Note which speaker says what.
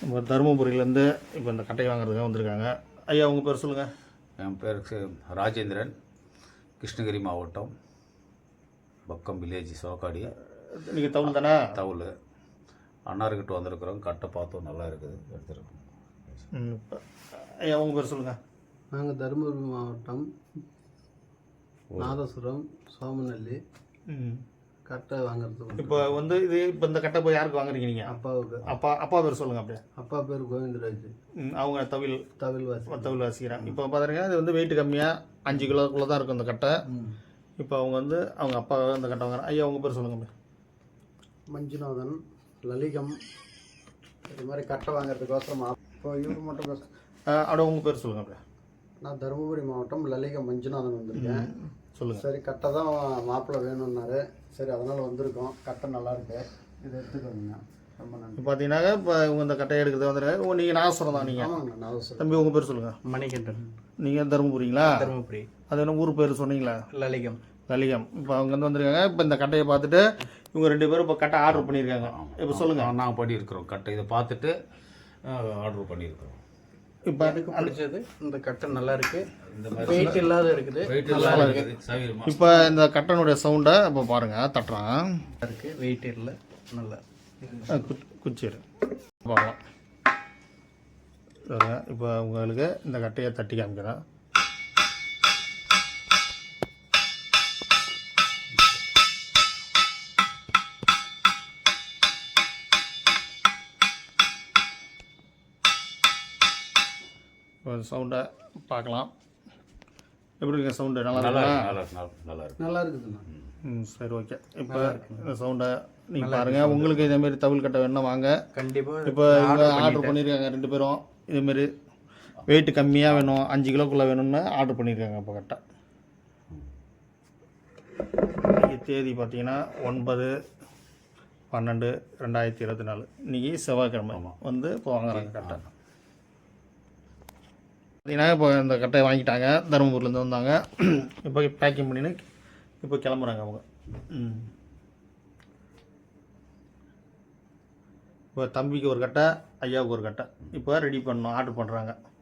Speaker 1: இப்போ தருமபுரியிலேருந்து இப்போ இந்த கட்டையை வாங்குறதுக்காக வந்திருக்காங்க. ஐயா உங்கள் பேர் சொல்லுங்கள்.
Speaker 2: என் பேர் ராஜேந்திரன், கிருஷ்ணகிரி மாவட்டம், பக்கம் வில்லேஜ் சோக்காடி.
Speaker 1: நீங்கள் தவுள் தானே?
Speaker 2: தவுள். அண்ணார்கிட்ட வந்திருக்கிறோம். கட்டை பார்த்தோம், நல்லா இருக்குது, எடுத்துருக்கோம்.
Speaker 1: ஐயா உங்கள் பேர் சொல்லுங்கள்.
Speaker 3: நாங்கள் தருமபுரி மாவட்டம் நாதசுரம் சோமநல்லி கட்டை வாங்குறதுக்கு.
Speaker 1: இப்போ இப்போ இந்த கட்டை போய் யாருக்கு வாங்குறீங்க நீங்கள்?
Speaker 3: அப்பாவுக்கு.
Speaker 1: அப்பா பேர் சொல்லுங்கள். அப்படியே
Speaker 3: அப்பா பேர் கோவிந்தராஜ்.
Speaker 1: அவங்க தவில் வாசிக்கிறாங்க. இப்போ பார்த்தீங்கன்னா இது வெயிட் கம்மியாக 5 கிலோக்குள்ளே தான் இருக்கும் இந்த கட்டை. இப்போ அவங்க அப்பா இந்த கட்டை வாங்குறாங்க. ஐயா உங்கள் பேர் சொல்லுங்கள்.
Speaker 3: மஞ்சுநாதன், லலிகம். இது மாதிரி கட்டை வாங்குறதுக்கோசரம் இப்போ இவர் மட்டும்
Speaker 1: அப்படியே உங்கள் பேர் சொல்லுங்கள். அப்படியே
Speaker 3: நான் தருமபுரி மாவட்டம் லலிகம் மஞ்சுநாதன் வந்திருக்கேன்.
Speaker 1: சொல்லுங்கள்.
Speaker 3: சரி, கட்டை தான் மாப்பிள்ளை வேணும்னாரு. சரி, அதனால் வந்திருக்கோம். கட்டை நல்லா இருக்கு, இதை எடுத்துக்கோங்க. ரொம்ப நன்றி.
Speaker 1: பார்த்தீங்கன்னாக்க இப்போ இவங்க இந்த கட்டையை எடுக்கிறது வந்துருக்காங்க. நீங்கள் நாகஸ்வரம் தான்? நீங்கள்?
Speaker 3: ஆமாங்க, நாகஸ்வரம்.
Speaker 1: தம்பி உங்கள் பேர் சொல்லுங்கள்.
Speaker 4: மணிகண்டன்.
Speaker 1: நீங்கள் தருமபுரிங்களா?
Speaker 4: தருமபுரி.
Speaker 1: அது என்ன ஊர் பேர் சொன்னீங்களா?
Speaker 4: லலிகம்.
Speaker 1: இப்போ அவங்க வந்திருக்காங்க. இப்போ இந்த கட்டையை பார்த்துட்டு இவங்க 2 பேரும் இப்போ கட்டை ஆர்டர் பண்ணியிருக்காங்க. இப்போ சொல்லுங்கள்.
Speaker 2: நாங்கள் பண்ணியிருக்கிறோம் கட்டை. இதை பார்த்துட்டு ஆர்டர் பண்ணியிருக்கிறோம்.
Speaker 4: இப்போ எனக்கு பிடிச்சது இந்த கட்டை நல்லா இருக்கு, இந்த மாதிரி வெயிட் இல்லாத இருக்குது,
Speaker 2: நல்லா இருக்குது.
Speaker 1: இப்போ இந்த கட்டனுடைய சவுண்டை இப்போ பாருங்கள், தட்டுறான்
Speaker 4: இருக்கு, வெயிட் இல்லை, நல்லா
Speaker 1: குச்சிரு பார்க்கலாம். இப்போ உங்களுக்கு இந்த கட்டையை தட்டி காமிக்கிறேன். சவுண்டை பார்க்கலாம். எப்படி இருக்கு சவுண்டு? நல்லா
Speaker 3: இருக்குதுண்ணா.
Speaker 1: சரி, ஓகே. இப்போ இந்த சவுண்டை நீங்கள் பாருங்கள். உங்களுக்கு இதேமாரி தவில் கட்டை வேணும்னா வாங்க,
Speaker 4: கண்டிப்பாக.
Speaker 1: இப்போ இவங்க ஆர்டர் பண்ணியிருக்காங்க 2 பேரும். இதேமாரி வெயிட் கம்மியாக வேணும், 5 கிலோக்குள்ளே வேணும்னு ஆர்டர் பண்ணியிருக்காங்க. இப்போ கட்டை தேதி பார்த்தீங்கன்னா 9/12/2024. இன்றைக்கி செவ்வாய்க்கிழமை இப்போ வாங்குறாங்க கட்டை. பார்த்தீங்கன்னா இப்போ இந்த கட்டையை வாங்கிட்டாங்க, தருமபுரிலேருந்து வந்தாங்க. இப்போ பேக்கிங் பண்ணின்னு இப்போ கிளம்புறாங்க அவங்க. இப்போ தம்பிக்கு ஒரு கட்டை, ஐயாவுக்கு ஒரு கட்டை இப்போ ரெடி பண்ணணும், ஆர்டர் பண்ணுறாங்க.